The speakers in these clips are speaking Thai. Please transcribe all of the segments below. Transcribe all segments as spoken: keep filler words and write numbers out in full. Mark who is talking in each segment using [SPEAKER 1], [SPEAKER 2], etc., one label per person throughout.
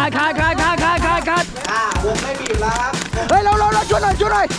[SPEAKER 1] ดขาดขาดขาดขาดขาดขาดอ่าวงไม่บีบแล้วครับเฮ้ยเราเราเราช่วยหน่อยช่วยหน่อย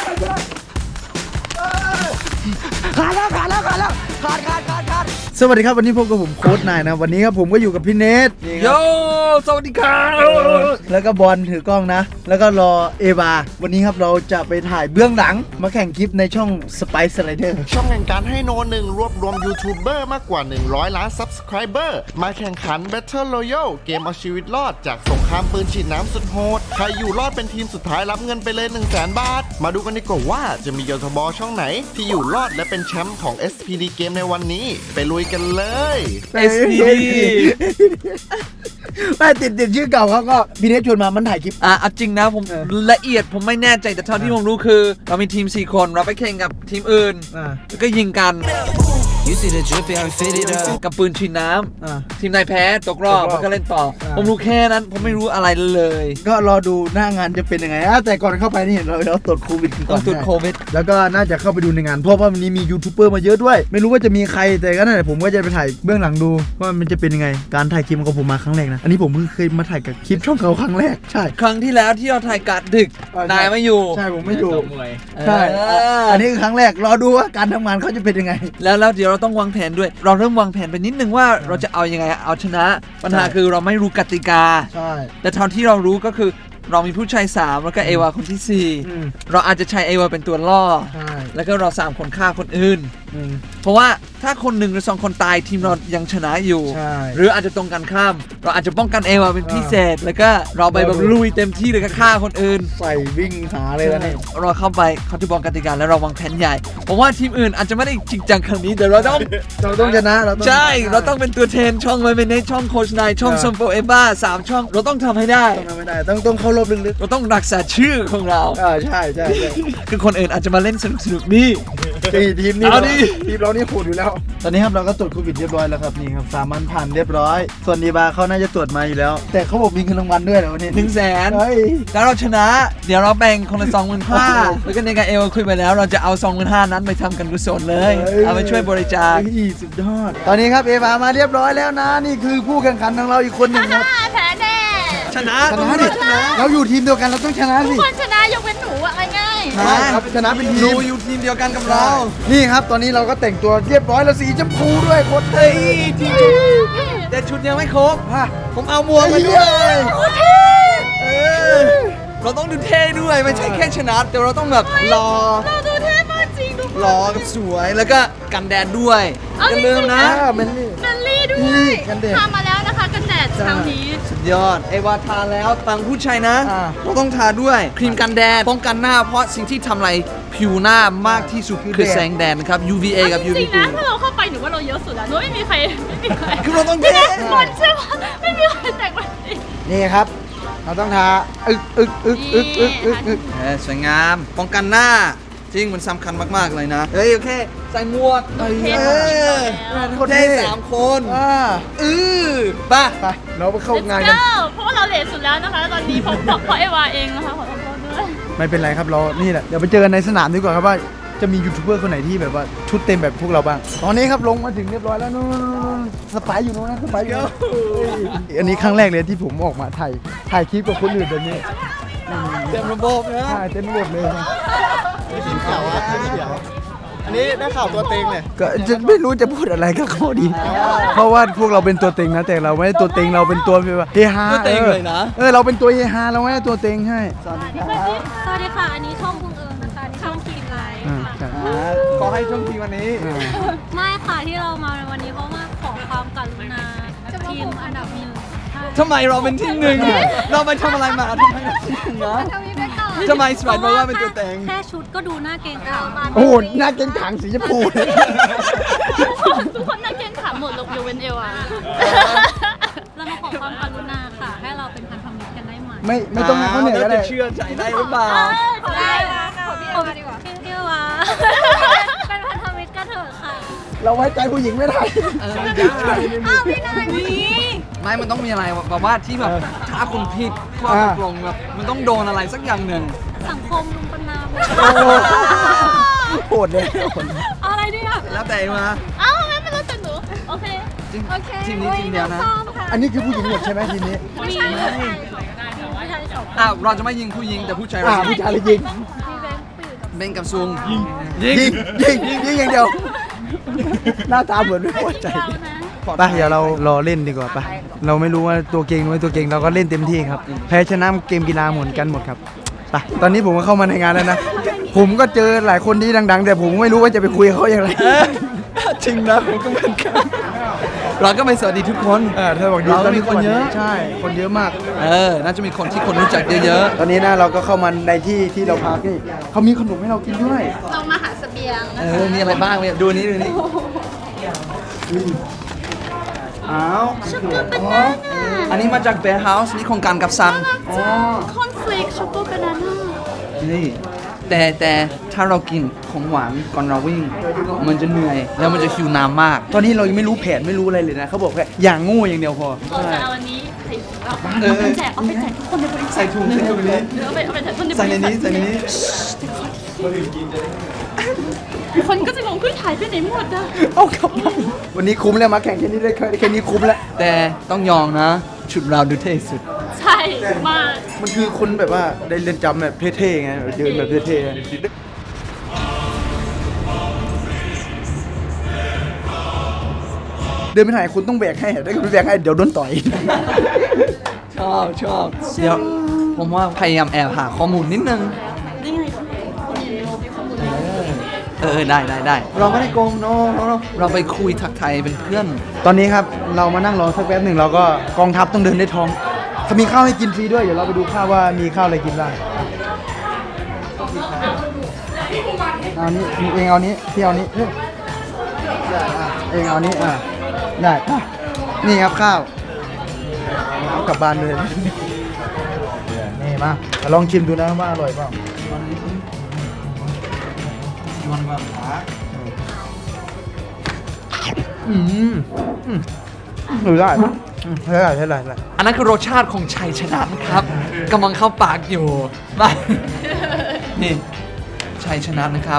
[SPEAKER 1] ขาดแล้วขาดแล้วขาดแล้วขาดขาดขาดขาดสวัสดีครับวันนี้พบกับผมโค้ชนายนะวันนี้ครับผมก็อยู่กับพี่เนทโยสวัสดีครับแล้วก็บอลถือกล้องนะแล้วก็รอเอวาวันนี้ครับเราจะไปถ่ายเบื้องหลังมาแข่งคลิปในช่อง Spice Slider
[SPEAKER 2] ช่องแห่งการให้โนหนึ่งรวบรวมยูทูบเบอร์มากกว่าหนึ่งร้อยล้าน Subscriber มาแข่งขัน Battle Royale เกมเอาชีวิตรอดจากสงครามปืนฉีดน้ำสุดโหดใครอยู่รอดเป็นทีมสุดท้ายรับเงินไปเลย หนึ่งแสน บาทมาดูกันดีกว่าว่าจะมียทบช่องไหนที่อยู่รอดและเป็นแชมป์ของ เอส พี ดี เกมในวันนี้ไปลุยกันเลย
[SPEAKER 1] เอส พี ดี ไม่ติดติดชื่อเก่าเขาก็พี่เนทชวนมามันถ่ายคลิป
[SPEAKER 3] อ่ะจริงนะผมละเอียดผมไม่แน่ใจแต่เท่าที่ผมรู้คือเรามีทีมสี่คนเราไปแข่งกับทีมอื่นแล้วก็ยิงกันกับปืนฉีดน้ำทีมนายแพ้ตกรอบมันก็เล่นต่อผมรู้แค่นั้นผมไม่รู้อะไรเลย
[SPEAKER 1] ก็รอดูหน้างานจะเป็นยังไงแต่ก่อนเข้าไปนี่เราเราตรวจโควิดก่อน
[SPEAKER 3] ตรวจโควิด
[SPEAKER 1] แล้วก็น่าจะเข้าไปดูในงานเพราะว่าวันนี้มียูทูบเบอร์มาเยอะด้วยไม่รู้ว่าจะมีใครแต่ก็นั่นแหละผมก็จะไปถ่ายเบื้องหลังดูว่ามันจะเป็นยังไงการถ่ายคลิปของผมมาครั้งแรกนะอันนี้ผมเพิ่งเคยมาถ่ายกับคลิปช่องเขาครั้งแรกใช่
[SPEAKER 3] ครั้งที่แล้วที่เราถ่ายกัดดึกนายไม่อยู่
[SPEAKER 1] ใช่ผมไม่อยู่ใช่อันนี้คือครั้งแรกรอดูว่าการทำงานเขาจะเป็นยังไง
[SPEAKER 3] แล้วแล้วเดี๋ยวเราต้องวางแผนด้วยเราเริ่มวางแผนไปนิดนึงว่าเราจะเอายังไงเอาชนะปัญหาคือเราไม่รู้กติกา
[SPEAKER 1] ใช่
[SPEAKER 3] แต่เท่าที่เรารู้ก็คือเรามีผู้ชายสามแล้วก็เอวาคนที่สี่เราอาจจะใช้เอวาเป็นตัวล่อแล้วก็เราสามคนฆ่าคนอื่นเพราะว่าถ้าคนหนึ่งหรือสองคนตายทีมเรายังชนะอยู่หรืออาจจะตรงกันข้ามเราอาจจะป้องกันเอวาเป็นพิเศษแล้วก็เราไปแบบลุยเต็มที่เลยก็ฆ่าคนอื่น
[SPEAKER 1] ใส่วิ่งหาเลยแล้วนี่
[SPEAKER 3] เราเข้าไปเขาจะบอกกติกาแล้วเราวางแผนใหญ่เพราะว่าทีมอื่นอาจจะไม่ได้จริงจังครั้งนี้แต่เราต้อง
[SPEAKER 1] เราต้องชนะเรา
[SPEAKER 3] ใช่เราต้องเป็นตัวแทนช่องไว้เป็นในช่องโคชนายช่องซัมโปเอบ้าสามช่องเราต้องทำให้ได้
[SPEAKER 1] ต้องทำให้ได้ต้องต้องเข้ารอบลึก
[SPEAKER 3] ๆเราต้องรักษาชื่อของเรา
[SPEAKER 1] อ่าใช่ใช่
[SPEAKER 3] คือคนอื่นอาจจะมาเล่นสนุกสนุกนี่
[SPEAKER 1] ทีมนี้เราทีมเรานี่โหดอยู่แล้วตอนนี้ครับเราก็ตรวจโควิดเรียบร้อยแล้วครับนี่ครับสามัญผ่านเรียบร้อยส่วนดีบาเขาน่าจะตรวจมาอยู่แล้วแต่เขาบอกมีเงินรางวัลด้วยเหรอวันนี้
[SPEAKER 3] หนึ่งแสนแล้วเราชนะเดี๋ยวเราแบ่งคนละสองหมื่นห้าแล้วก็ในการเอวคุยไปแล้วเราจะเอาสองหมื่นห้านั้นไปทำกันกุศลเลยเอาไปช่วยบริจาค
[SPEAKER 1] สุดยอดตอนนี้ครับเอวามาเรียบร้อยแล้วนะนี่คือผู้แข่งขันของเราอีกคนหนึ่งครับ
[SPEAKER 4] แพ้แน่
[SPEAKER 3] ชนะ
[SPEAKER 1] ชนะดิเราอยู่ทีมเดียวกันเราต้องชนะสิ
[SPEAKER 4] ทุกคนชนะยกเว้นหนูอะง่าย
[SPEAKER 1] ครับชนะเป็นทีม
[SPEAKER 3] ดูอยู่ทีมเดียวกันกับเรา
[SPEAKER 1] นี่ครับตอนนี้เราก็แต่งตัวเรียบร้อยแล้วสีชมพูด้วยโคตรเท่
[SPEAKER 3] ทีชุดแต่ชุดยังไม่ครบผมเอาหมวกมาด้วยเราต้องดูเท่ด้วยไม่ใช่แค่ชนะแต่เราต้องแบบรอ
[SPEAKER 4] เราดูเท่มากจริงทุกคน
[SPEAKER 3] รอกับสวยแล้วก็กันแดดด้วยอย่าลืมนะ
[SPEAKER 1] เมนลี่
[SPEAKER 4] เมนลี่ด้วยทำมาแล้วนะคะกันแดดเช้านี้
[SPEAKER 3] สุดยอดเอวาทาแล้วต่างผู้ชายนะเราต้องทาด้วยครีมกันแดดป้องกันหน้าเพราะสิ่งที่ทำลายผิวหน้ามากที่สุดคือแสงแดดนะครับ ยู วี เอ กับ ยู วี
[SPEAKER 4] บี จริงนะถ้าเราเข้าไปหนูว่าเราเยอะสุดแล้วหนูไม่มีใครไม่มีใคร
[SPEAKER 3] คือเราต้องเท่
[SPEAKER 4] บอลใช่ไหมไม่มีใครแต่งแบบนี้
[SPEAKER 1] นี่ครับเราต้องทาอึกอึกอึกอึกอึกอึกอึก
[SPEAKER 3] สวยงามป้องกันหน้าจริงมันสำคัญมากๆเลยนะเฮ้ยโอเคใส่หมวก
[SPEAKER 4] เอ
[SPEAKER 3] อคนเท่สามคนอือป่ะ
[SPEAKER 1] ไปเราไปเข้างานกัน
[SPEAKER 4] เพราะว่าเราเลทสุดแล้วนะคะตอนนี้ผมบอกเพราะเอวาเองนะคะขอโทษด้วย
[SPEAKER 1] ไม่เป็นไรครับเรานี่แหละเดี๋ยวไปเจอกันในสนามดีกว่าครับว่าจะมียูทูบเบอร์คนไหนที่แบบว่าชุดเต็มแบบพวกเราบ้างตอนนี้ครับลงมาถึงเรียบร้อยแล้วนู่นสไปอยู่นู้นนะสไปอยู่อันนี้ครั้งแรกเลยที่ผมออกมาถ่ายถ่ายคลิปกับคนอื่นแบบนี้
[SPEAKER 3] เต็มระบบนะ
[SPEAKER 1] ใช่เต็มระบบเลย
[SPEAKER 2] ทีมเขียวอ่ะทีมเขียวอันนี้ได้ข่าวตัวเต็งเลย
[SPEAKER 1] ก็จะไม่รู้จะพูดอะไรกับเขาดีเพราะว่าพวกเราเป็นตัวเต็งนะแต่เราไม่ได้ตัวเต็งเราเป็นตัวแบบเฮฮา
[SPEAKER 3] ตัวเต็งเลยนะ
[SPEAKER 1] เออเราเป็นตัวเฮฮาเราไม่ได้ตัวเต็งให้
[SPEAKER 4] สวัสดีค่ะสวัสดีค่ะอันนี้ช่องบุงเอิญนะคะช่องทีมไลน์
[SPEAKER 3] ขอให้ช่องทีวันนี้
[SPEAKER 4] ไม่ค่ะที่เรามาในวันนี้เพราะว่าขอความกรุณาทีมอันดับหนึ่ง
[SPEAKER 3] ทำไมเราเป็นที่หนึ่งเราไปทำอะไรมาทำไมเราที่หนึ่งนะทำไมสไปร์บอกว่าเป็นตัวเต็ง
[SPEAKER 4] แค่ชุดก็ดูหน้าเกรงขาม
[SPEAKER 1] โอ้โหหน้าเกรงขามสีชมพู
[SPEAKER 4] ทุกคนหน้าเกรงขามหมดยกเว้นเอวาเรามาขอความกรุณาค่ะให้เราเป็นพันธมิตรกันได้ไหม
[SPEAKER 1] ไม่ไม่ต้องให้เขาเหนื่อยก็ได้
[SPEAKER 3] เชื่อใจได้หรือเปล่า
[SPEAKER 4] ได้ขอพี่เอวาดีกว่าพี่เอวาเป็นพันธมิตรกันเถอะค่ะ
[SPEAKER 1] เราไว้ใจผู้หญิงไม่ได้
[SPEAKER 4] อ้าวพี่นายนี่
[SPEAKER 3] ไม่มันต้องมีอะไรแบบว่าที่แบบถ้าคุณผิดข้อตกลงแบบมันต้องโดนอะไรสักอย่างหนึ่ง
[SPEAKER 4] สังคมลุงปนาม
[SPEAKER 1] โหดเลย
[SPEAKER 4] อะไรเนี่ย
[SPEAKER 3] แล้วแต่มา
[SPEAKER 4] อ้าวทำไมไม่รู้จักหนูโอเค
[SPEAKER 3] จทีม
[SPEAKER 4] โอเค
[SPEAKER 3] ทีมนี้ทีมเดียวนะ
[SPEAKER 4] ซ้อมค่ะ
[SPEAKER 1] อันนี้คือผู้หญิงหมดใช่ไหมทีนี้
[SPEAKER 4] ไม่ใช่ไม่ใช่ไม่ใช่สอง
[SPEAKER 3] อ่ะเราจะไม่ยิงผู้หญิงแต่ผู้ชายเรา
[SPEAKER 1] อ่า
[SPEAKER 3] ยิง
[SPEAKER 1] ผู้ชายเลยยิง
[SPEAKER 3] เบนกับซุง
[SPEAKER 1] ยิงยิงยิงยิงอย่างเดียว หน้าตาเหมือนไม่พอใจ
[SPEAKER 4] เรานะ
[SPEAKER 1] ไปเดี๋ยวเรารอเล่นดีกว่าไปเราไม่รู้ว่าตัวเก่งหรือไม่ตัวเก่งเราก็เล่นเต็มที่ครับแพ้ชนะเกมกีฬาเหมือนกันหมดครับไปตอนนี้ผมก็เข้ามาในงานแล้วนะผมก็เจอหลายคนที่ดัง ๆ แต่ผมไม่รู้ว่าจะไปคุยกับเขาอย่างไรจริงนะผมก็เหมือนกัน
[SPEAKER 3] เราก็ไปสวัสดีทุกคน
[SPEAKER 1] เออเธอบอกดี
[SPEAKER 3] เราก็มีคนเยอะ
[SPEAKER 1] ใช่คนเยอะมาก
[SPEAKER 3] เออ น่าจะมีคนที่คนรู้จักเยอะ
[SPEAKER 1] ตอนนี้นะเราก็เข้ามาในที่ที่เราพักนี่เขามีขนมให้เรากินด้วย
[SPEAKER 4] เรามาหาเสบียง
[SPEAKER 3] ๆ
[SPEAKER 4] นะ
[SPEAKER 3] เออ มีอะไรบ้างเนี่ยดูนี้ดูนี้
[SPEAKER 1] อ้าว
[SPEAKER 4] ช็อกโกแลตบานาน่า
[SPEAKER 3] อันนี้มาจาก Bear House นี่โครงการกับซัง
[SPEAKER 1] อ๋อ
[SPEAKER 4] คอนเฟลกช็อกโกบานาน่า
[SPEAKER 3] นี่แต่แต่ถ้าเรากินของหวานก่อนเราวิ่ง มันจะเหนื่อย แล้วมันจะหิวน้ำมาก
[SPEAKER 1] ตอนนี้เรายังไม่รู้แผนไม่รู้อะไรเลยนะเขาบอกแค่อย่างงูอย่างเดียวพอ
[SPEAKER 4] เราจะเอาอันนี้ใส่เอา
[SPEAKER 3] เออ
[SPEAKER 4] ไปแจกเอาไปแจกทุกคนในบริษัท
[SPEAKER 3] ใส่ถุงใส่ถุงนี้
[SPEAKER 4] เดี๋ยวเอาไปเอาไปแจกทุกคนในบริษัท
[SPEAKER 3] ใส่ในนี้ใส่ในนี้
[SPEAKER 4] คนก็จะงงขึ้นถ่ายไปไหนหมดอะ
[SPEAKER 1] เอากลับบ้านวันนี้คุ้มแล้วมาแข่งแค่นี้ได้แค่นี้คุ้มแล้ว
[SPEAKER 3] แต่ต้องยองนะ ชุดเราดูเท่สุด
[SPEAKER 4] ใช่มาก
[SPEAKER 1] มันคือคนแบบว่าได้เรียนจำแบบเท่ๆไงเดินแบบเท่ๆเดินไปไหนคุณต้องแบกให้ได้คุณแบกให้เดี๋ยวโดนต่อย
[SPEAKER 3] ชอบชอบเดี๋ยวผมว่าพยายามแอบหาข้อมูลนิดนึง
[SPEAKER 4] นี่ไงคนอยู่ในโลกมีข้อมูล
[SPEAKER 3] เออได้ได้ได้เราไม่ได้โกงโนโนโนเราไปคุยทักทายเป็นเพื่อน
[SPEAKER 1] ตอนนี้ครับเรามานั่งรอสักแป๊บหนึ่งเราก็กองทัพต้องเดินด้วยท้องเขามีข้าวให้กินฟรีด้วยเดี๋ยวเราไปดูข้าวว่ามีข้าวอะไรกินบ้างเอานี้เองเอานี้พี่เอานี้เอ้ยเองเอานี้อ่ะได้อ่ะนี่ครับข้าวเอากลับบ้านเลยนี่มาลองชิมดูนะว่าอร่อยเปล่าอืมอืมหรือได้อืมใช่ได้ใช่ได้ใช่ได้
[SPEAKER 3] อันนั้นคือรสชาติของชัยชนะนะครับกำลังเข้าปากอยู่ไปนี่ชัยชนะนะครับ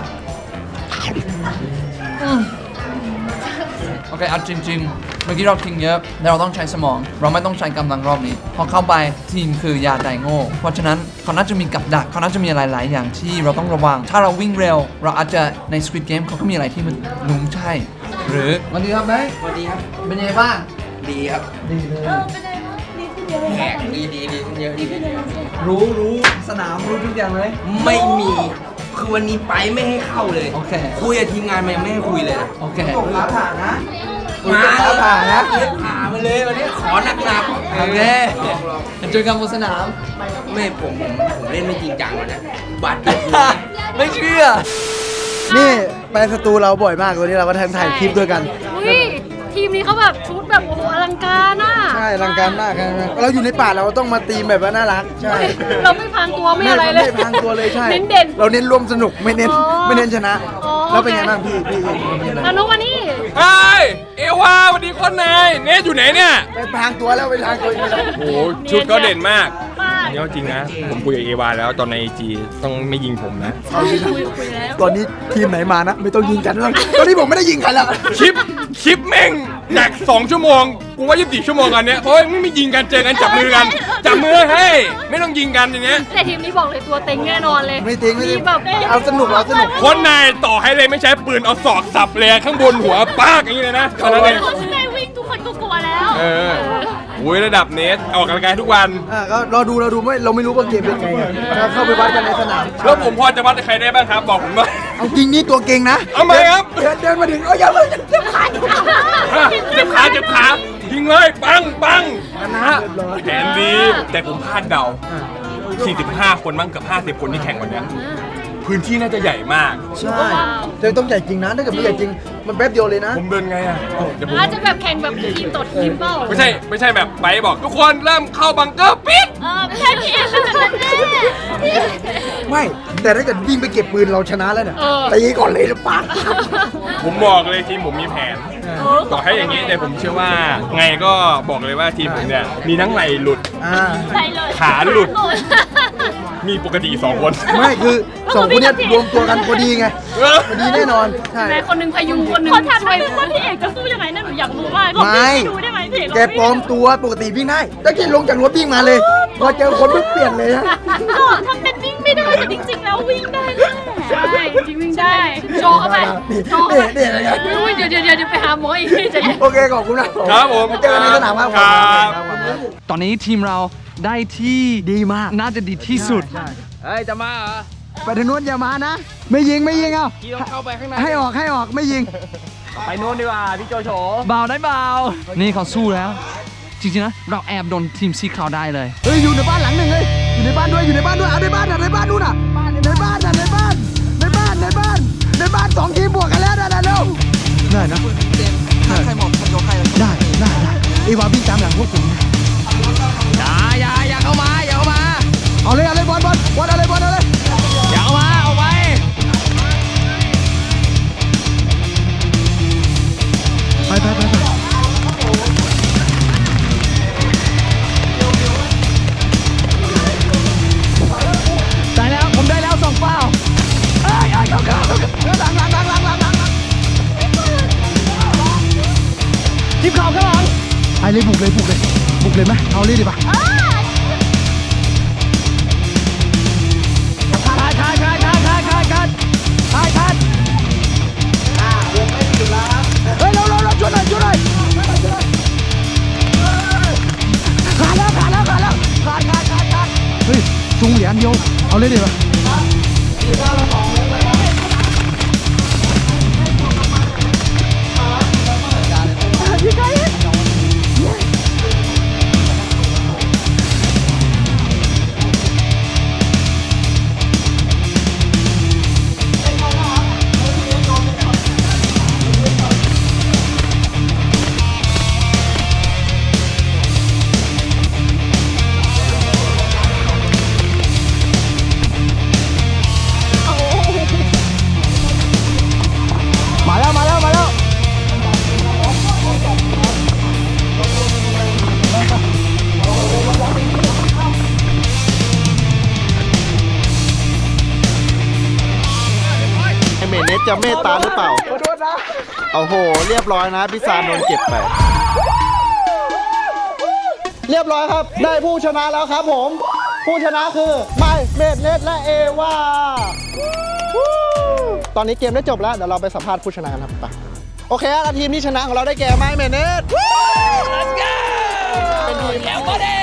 [SPEAKER 3] อืมโอเคเอาจริงๆเมื่อกี้เราทิ้งเยอะแต่เราต้องใช้สมอง เราไม่ต้องใช้กำลังรอบนี้พอเข้าไปทีมคือยาไดโง่เพราะฉะนั้นเขาน่าจะมีกับดักเขาน่าจะมีหลายๆอย่างที่เราต้องระวัง ถ้าเราวิ่งเร็ว เราอาจจะใน Squid Game เขาก็มีอะไรที่มันลุงใช่ หรือสวัสดีครับไหมสวัสดีครับเป็นยังไงบ้าง
[SPEAKER 5] ดีครับ
[SPEAKER 1] ดีเลย
[SPEAKER 4] เออเป็นไงบ้างดีขึ้นเยอะเลย
[SPEAKER 5] แขกดีดีดีขึ้นเยอะดีขึ้นเยอะ
[SPEAKER 3] รู้รู้สนามรู้ทุกอย่างเลย
[SPEAKER 5] ไม่มี คือวันนี้ไปไม่ให้เข้าเลย
[SPEAKER 3] โอเค
[SPEAKER 5] คุยกับทีมงานมันยังไม่ให้คุยเลยนะ
[SPEAKER 3] โอเค
[SPEAKER 1] ฟ้าผ่านะ
[SPEAKER 5] มา
[SPEAKER 1] ฟ้าผ่านะ
[SPEAKER 5] เลยผ่ามาเลยวันนี้ขอหนักหนัก
[SPEAKER 3] โอเคเจอกันบนสนาม
[SPEAKER 5] ไม่ผมผมผมเล่นไม่จริงจังวันนะบาดเจ็บ
[SPEAKER 3] ไม่เชื่อ
[SPEAKER 1] นี่ไปสตูเราบ่อยมากวันนี้เราก็ถ่ายคลิปด้วยกัน
[SPEAKER 4] อุ้ยทีมนี้เขาแบบชุดแบบโอ้โหอลังการน่ะ
[SPEAKER 1] ใช่อลังการมากครับเราอยู่ในป่าเราต้องมาตีมแบบว่าน่ารักใช่
[SPEAKER 4] เราไม่พังตัวไม่อะไรเลย
[SPEAKER 1] ไม่พังตัวเลยใช่
[SPEAKER 4] เน้นเด่น
[SPEAKER 1] เราเน้นร่วมสนุกไม่เน้น
[SPEAKER 4] อ๋อ
[SPEAKER 1] ไม่เน้นชนะ
[SPEAKER 4] อ๋อ
[SPEAKER 1] แล้วเป็นไง
[SPEAKER 4] โอเค
[SPEAKER 1] บ้างพี่พี่พี่เป็นไง
[SPEAKER 4] อนุมานี่
[SPEAKER 6] เฮ้ยเอวาสวัสดีคนนายเนทอยู่ไหนเนี่ย
[SPEAKER 1] ไปพรางตัวแล้วไปพรางตัวอีกแล้ว
[SPEAKER 6] โอ้โหชุดก็เด่นมาก
[SPEAKER 4] มาก
[SPEAKER 6] อันนี้เอาจริงนะ ผมคุยกับเอวาแล้วตอนในไอจีต้องไม่ยิงผมนะ
[SPEAKER 4] ใช่คุยคุยแล้ว
[SPEAKER 1] ตอนนี้ทีมไหนมานะ ไม่ต้องยิงกันแล้วตอนนี้ผมไม่ได้ยิงใครแล้ว
[SPEAKER 6] คลิปคลิปแม่งจากสองชั่วโมง กูว่ายี่สิบสี่ชั่วโมงกันเนี้ยเพราะว่าไม่มียิงกันเจอกันจับมือกัน จับมือให้ยไม่ต้องยิงกันอย่างเงี้ย
[SPEAKER 4] แต่ทีมนี้บอกเลยตัวเต็งแน่นอนเลย
[SPEAKER 1] ไม่จริงไม่จริง
[SPEAKER 4] แบบ
[SPEAKER 1] เอาสนุกเอาสนุก
[SPEAKER 6] คนนายต่อให้เลยไม่ใช้ปืนเอาศอกสับเลยข้างบนหัวปากอย่างนี้เลยนะตอนนั้นเอง
[SPEAKER 4] เขาจะได้วิ่งทุกคนก็กลัวแล้ว
[SPEAKER 6] เออโอ้ยระดับเนทออกกำลังกายทุกวัน
[SPEAKER 1] อ่าก็รอดูเราดูไม่เราไม่รู้ว่าเกมเป็นไงอะเราเข้าไปวัดกันในสนาม
[SPEAKER 6] แล้วผมพอจะวัดกับใครได้บ้างครับ บอกผมหน่อย
[SPEAKER 1] เอาจริงนี่ตัวเก่งนะ
[SPEAKER 6] เอาไหมครับ
[SPEAKER 1] เดินเดินมาถึงเอาอย่าเลยจะผ่าน
[SPEAKER 6] เจ็บขาเจ็บขายิงเลยปังปังชนะแผนดีแต่ผมพลาดเดา สี่สิบห้า คนมั้งเกือบห้าสิบ คนที่แข่งวันเนี้ยพื้นที่น่าจะใหญ่มาก
[SPEAKER 1] ใช่เธอต้องใหญ่จริงนะถ้าเกิดไม่ใหญ่จริงมันแป๊บเดียวเลยนะ
[SPEAKER 6] ผมเดินไงอ่ะเดี๋ยวผม
[SPEAKER 4] อาจจะแบบแข่งแบบทีมต่อทีมเปล่า
[SPEAKER 6] ไม่ใช่ไม่ใช่แบบไปบอกทุกคนเริ่มเข้าบังเกอร์ปิด
[SPEAKER 4] เออไม่ใช่พี่เอ็มเป็นแบบนั้นแน่
[SPEAKER 1] ไม่แต่ถ้าเกิดวิ่งไปเก็บปืนเราชนะแล้วเนี่ย
[SPEAKER 4] เออ
[SPEAKER 1] ตีก่อนเลยหรือเปล่า
[SPEAKER 6] ผมบอกเลยทีมผมมีแผน ต่อให้อย่างนี้แต่ผมเชื่อว่าไงก็บอกเลยว่าทีมผมเนี่ยมีทั้งไหลหลุด
[SPEAKER 1] อ่า
[SPEAKER 4] ใช่เลย
[SPEAKER 6] ขาหลุด
[SPEAKER 4] ข
[SPEAKER 6] มีปกติสองคน
[SPEAKER 1] ไม่คือสองคนเนี้ยรวมตัวกันพอดีไงพอดีแน่นอนใช่
[SPEAKER 4] แม่คนหนึ่งพยุงคนหนึ่งขอถามหน่อยว่าพี่เอกจะสู้ยังไงนั่นหนูอยากรู้มาก
[SPEAKER 1] ไม่
[SPEAKER 4] ดูได้ไหมพี่เอก
[SPEAKER 1] แกปลอมตัวปกติวิ่งได้ตะกี้ลงจากรถวิ่งมาเลย พอเจอคนปุ๊บเปลี่ยนเลยนะ
[SPEAKER 4] ก็ทำเป็นวิ่งไม่ได้แต่จริงๆแล้ววิ่งได้แหละใช่จริงวิ่งได้โชว์เข้าไปโชว์เข้าไป
[SPEAKER 1] เดี๋ยวเดี๋ยว
[SPEAKER 4] อุ้ยเดี๋ยวเดี๋ยวเดี๋ยวไปหาหมออีกทีจะ
[SPEAKER 1] โอเคขอบคุณนะครับ
[SPEAKER 6] ผม
[SPEAKER 1] เจอกันในสนามครับ
[SPEAKER 6] ครับ
[SPEAKER 3] ตอนนี้ทีมเราได้ที่ดีมากน่าจะดีที่สุด
[SPEAKER 5] เฮ้ย จะมาเหรอ
[SPEAKER 1] ไปทางนู้นอย่ามานะ ไม่ยิงไม่ยิงเอา
[SPEAKER 5] พี่ต้องเข้าไปข้างใน
[SPEAKER 1] ให้ออกให้ออกไม่ยิง
[SPEAKER 5] ไปโน่นดีกว่า พี่โจโฉ
[SPEAKER 3] เบาได้เบา นี่เขาสู้แล้ว จริงๆนะ เราแอบโดนทีมสีขาวได้เลย
[SPEAKER 1] เฮ้ยอยู่ในบ้านหลังหนึ่งเลยอยู่ในบ้านด้วยอยู่ในบ้านด้วยเอาในบ้านอ่ะในบ้านนู่นอ่ะในบ้านอ่ะในบ้านในบ้านในบ้านในบ้านสองทีมบวกกันแล้วนะเร็วได้นะ
[SPEAKER 3] ถ้าใครหมดใครยกใครเลย
[SPEAKER 1] ได้ได้ได้ไอ้วาวิ่งตามหลังพวกผมนะ
[SPEAKER 3] อย่าอย่าอย่าเข้ามาอย่าเข้ามา
[SPEAKER 1] เอาเลยเอาเลยบอลบอลบอลเอาเลยบอลเอาเลย
[SPEAKER 3] อย่าเข้ามาเอาไป
[SPEAKER 1] ไปไปไปไปได้แล้วผมได้แล้วสองเป้าเอ้ยเอ้ยเข้าเข้าเข้าหลังหลังหลังหลังหลังหลังทีมข่าวข้างหลังไปเลยบุกเลยบุกเลยบุกเลยไหมเอาเลยดีป่ะทายทายทายทายทายทายกันทายทายเฮ้ยเราเราเราช่วยหน่อยช่วยหน่อยขาดแล้วขาดแล้วขาดแล้วขาดขาดขาดขาดเฮ้ยจุงเหรียญเดียวเอาเลยดีป่ะมาแล้วมาแล้วมาแล้วไอเมเนสจะเมตตาหรือเปล่าขอโทษนะโอ้โหเรียบร้อยนะพี่ซานโดนเก็บไปเรียบร้อยครับได้ผู้ชนะแล้วครับผมผู้ชนะคือไมเมเนสและเอวาตอนนี้เกมได้จบแล้วเดี๋ยวเราไปสัมภาษณ์ผู้ชนะกันครับไปโอเคแล้วทีมที่ชนะของเราได้แก่ไมเมเนส
[SPEAKER 3] Let's go
[SPEAKER 1] เป็นทีม
[SPEAKER 3] แล้วก็ได้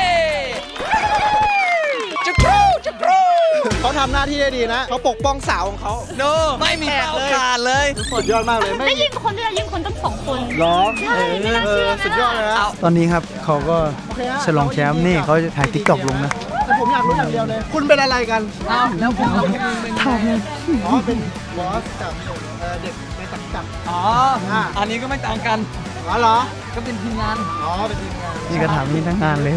[SPEAKER 3] จะครูจะครู
[SPEAKER 2] เขาทำหน้าที่ได้ดีนะเขาปกป้องสาวของเขา
[SPEAKER 3] โนไม่มีเป้าขาดเลย
[SPEAKER 2] สุดยอดมากเลยไม่
[SPEAKER 4] ไม่ยิงคนด้วยยิงคนตั้งสองคน
[SPEAKER 2] ร้อง
[SPEAKER 4] ใช่ไม่น่า
[SPEAKER 2] เอ
[SPEAKER 4] เชื่
[SPEAKER 2] อ
[SPEAKER 4] อ
[SPEAKER 2] สุดยอดเลยนะ
[SPEAKER 1] ตอนนี้ครับเขาก็ฉลองแชมป์นี่เขาจะถ่ายทิกตอกลงนะ
[SPEAKER 2] แต่ผมอยากรู้อย่างเดียวเลย คุณเป็นอะไรกัน
[SPEAKER 3] เอาแล้วผมกับคุณเป็นใคร
[SPEAKER 2] อ๋อเป็นบอสกับเอ่อเด็กในสังกัด
[SPEAKER 3] อ๋ออันนี้ก็ไม่ต่างกัน
[SPEAKER 2] อ๋อเหรอ
[SPEAKER 3] ก็เป็นทีมงาน
[SPEAKER 2] อ๋อเป็นทีมงาน
[SPEAKER 1] นี่ก็ถามนี่ทั้งงานเลย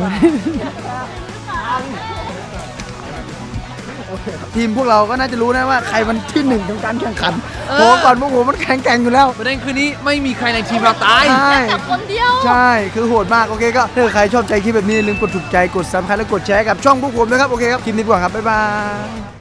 [SPEAKER 1] ทีมพวกเราก็น่าจะรู้นะว่าใครมันที่หนึ่งของการแข่งขันเพราะว่าก่อนพวกผมมันแข่งแข่งอยู่แล้ว
[SPEAKER 3] ประเด็นคือนี้ไม่มีใครในทีมเราตาย
[SPEAKER 1] ใช่
[SPEAKER 4] แต่คนเดียว
[SPEAKER 1] ใช่ คือโหดมาก โอเคก็ถ้าใครชอบใจคลิปแบบนี้อย่าลืมกดถูกใจ กดซับสไครต์และกดแชร์กับช่องพวกผมนะครับ โอเคครับ คลิปนี้ไปก่อนครับ บ๊ายบาย